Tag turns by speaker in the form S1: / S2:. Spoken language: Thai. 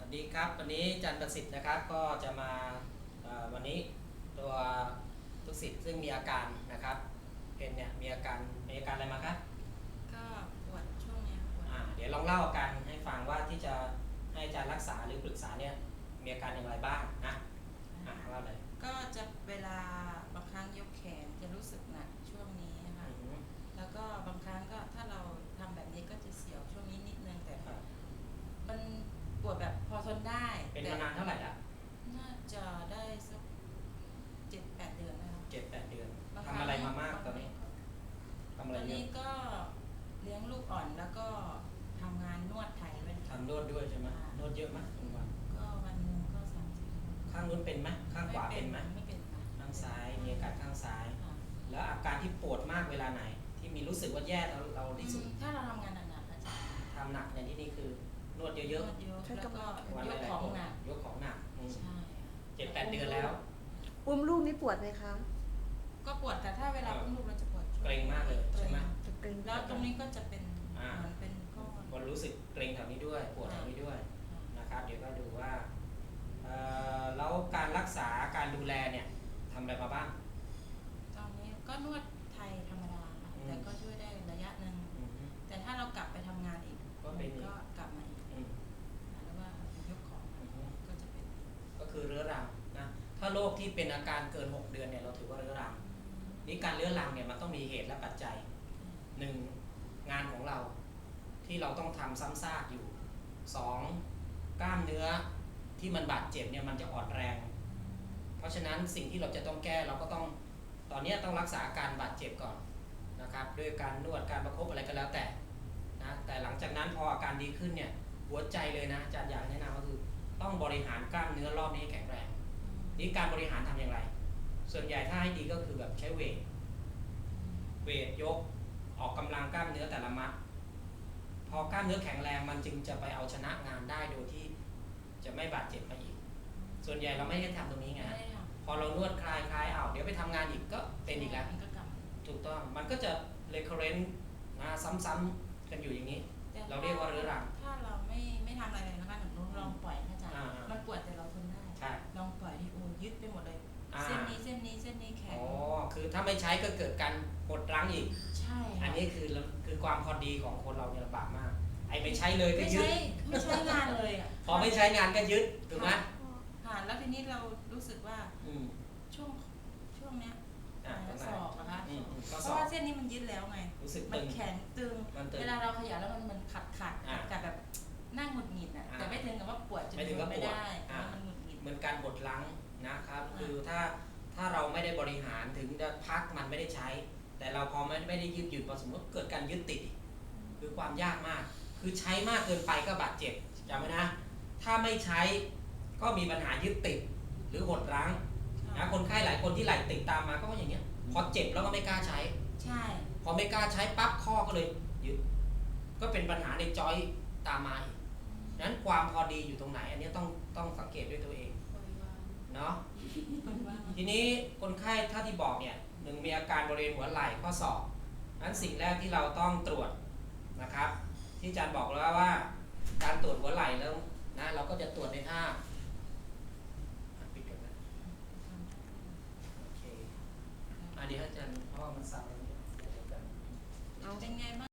S1: ดีครับวันนี้อาจารย์ประสิทธิ์นะครับก็จะมาวันนี้ตัวทุกศิษย์ซึ่งมีอาการนะครับเป็นเนี่ยมีอาการอะไรมาครับ
S2: ก็ปวดช่วงเนี้ยปวด
S1: เดี๋ยวลองเล่าอาการให้ฟังว่าที่จะให้อาจารย์รักษาหรือปรึกษาเนี่ยมีอาการอย่างไรบ้างนะเล่าเลย
S2: ก็จะเวลาบางครั้งยกแขนจะรู้สึกหนักช่วงนี้นะคะแล้วก็บางครั้งก็ถ้าเราทำแบบนี้ก็จะเสียวช่วงนี้นิดนึงแต่มันปวดแบบพอทนได้
S1: เป็นมานานเท่าไหร่ละ
S2: น่าจะได้สัก7-8 เดือนแล้ว
S1: 7-8 เดือนทำอะไรมามากตอนนี้ทำอะไร
S2: ตอนนี้ก็เลี้ยงลูกอ่อนแล้วก็ทำงานนวดไทยด้วย
S1: ทำนวดด้วยใช่ไหมนวดเยอะไหมวัน
S2: ก็วันหนึ่งก็30
S1: ข้างนู้นเป็นไหมข้างขวาเป็นไหม
S2: ไม่เป็นค่ะ
S1: ข้างซ้ายมีอาการข้างซ้ายแล้วอาการที่ปวดมากเวลาไหนที่มีรู้สึกว่าแย่เราที่สุด
S2: ถ้าเราทำงานหนักๆอาจารย์
S1: ทำหนักในที่นี้คือนวดเยอะๆ
S2: แล้วก็ยกของหนัก
S1: ยกของหนัก
S2: ใช่
S1: 7-8 เดือนแล้ว
S3: อุ้มลูกนี่ปวดไหมคะ
S2: ก็ปวดแต่ถ้าเวลาอุ้มลูกเราจะปวด
S1: เกร็งมากเลยใช่ไหม
S2: แล้วตรงนี้ก็จะเป็นเหมือนเป็นก้อน
S1: มันรู้สึกเกร็งแถวนี้ด้วยปวดแถวนี้ด้วยนะครับเดี๋ยวก็ดูว่าแล้วการรักษาการดูแลเนี่ยทำอะไรมาบ้าง
S2: ตอนนี้ก็นวดไทยธรรมดาแต่ก็ช่วยได้ระยะหนึ่งแต่ถ้าเรากลับไปทำงานอีกก็กลับมาอีกแล้วว่ายกของก็จะเป็น
S1: ก็คือเรื้อรังนะถ้าโรคที่เป็นอาการเกิน6 เดือนเนี่ยเราถือว่าเรื้อรังนี่การเรื้อรังเนี่ยมันต้องมีเหตุและปัจจัย1งานของเราที่เราต้องทำซ้ำซากอยู่2กล้ามเนื้อที่มันบาดเจ็บเนี่ยมันจะอ่อนแรงเพราะฉะนั้นสิ่งที่เราจะต้องแก้เราก็ต้องตอนนี้ต้องรักษาอาการบาดเจ็บก่อนนะครับด้วยการนวดการประคบอะไรก็แล้วแต่นะแต่หลังจากนั้นพออาการดีขึ้นเนี่ยหัวใจเลยนะอาจารย์อยากแนะนำก็คือต้องบริหารกล้ามเนื้อรอบนี้ให้แข็งแรงนี่การบริหารทำอย่างไรส่วนใหญ่ถ้าให้ดีก็คือแบบใช้เวทยกออกกำลังกล้ามเนื้อแต่ละมัดพอกล้ามเนื้อแข็งแรงมันจึงจะไปเอาชนะงานได้โดยที่จะไม่บาดเจ็บมาอีกส่วนใหญ่เราไม่ได้ทำตรงนี้ไงพอเรานวดคลายเดี๋ยวไปทำงานอีกก็เป็นอีกแล้วถูกต้องมันก็จะ recurrent นะซ้ำๆกันอยู่อย่างนี้เราเรียกว่าเรื้อรัง
S2: ถ้าเราไม่ทำอะไรเลยนะคะหนูลองปล่อยนะจ๊ะมันปวดแต่เราทนได้ลองปล่อยที่ยึดไปหมดเลยเส้นนี้แข็ง
S1: คือถ้าไม่ใช้ก็เกิดการหดรั้งอีก
S2: ใช่
S1: อันนี้คือความพอดีของคนเราเนี่ยลำบากมากไอ้ไม่ใช้เลยก็ยึด
S2: ไม่ใช้งานเลย
S1: พอไม่ใช้งานก็ยึดถูกไหม
S2: แล้วทีนี้เรารู้สึกว่าช่วงเนี้ยศอกนะคะเพราะว่าเส้นนี้มันยึดแล้วไงมันแข็งตึงเวลาเราขยับแล้วมันขัดแบบนั่งหงุดหงิดแต่ไม่ถึงกับว่าปวดจนไม่ได้มันหงุดหงิด
S1: เหมือนการบดรั้งนะครับคือถ้าเราไม่ได้บริหารถึงจะพักมันไม่ได้ใช้แต่เราพอไม่ได้ยืดหยุ่นพอสมมติเกิดการยึดติดคือความยากมากคือใช้มากเกินไปก็บาดเจ็บจำไว้นะถ้าไม่ใช้ก็มีปัญหายึดติดหรือหดรั้งนะคนไข้หลายคนที่ไหล่ติดตามมาก็อย่างเงี้ยพอเจ็บแล้วก็ไม่กล้าใช้
S2: ใช่
S1: พอไม่กล้าใช้ปั๊บข้อก็เลยยึดก็เป็นปัญหาในจอยตามมาอีกนั้นความพอดีอยู่ตรงไหนอันนี้ต้องสังเกตด้วยตัวเองเนาะทีนี้คนไข้ถ้าที่บอกเนี่ยมีอาการบริเวณหัวไหล่ข้อศอกนั้นสิ่งแรกที่เราต้องตรวจนะครับที่อาจารย์บอกแล้วว่าการตรวจหัวไหล่แล้วนะเราก็จะตรวจในท่าปิดกันนะโอเคเดี๋ยวอาจารย์เพราะว่ามันสั่น
S2: เป็นไงบ้าง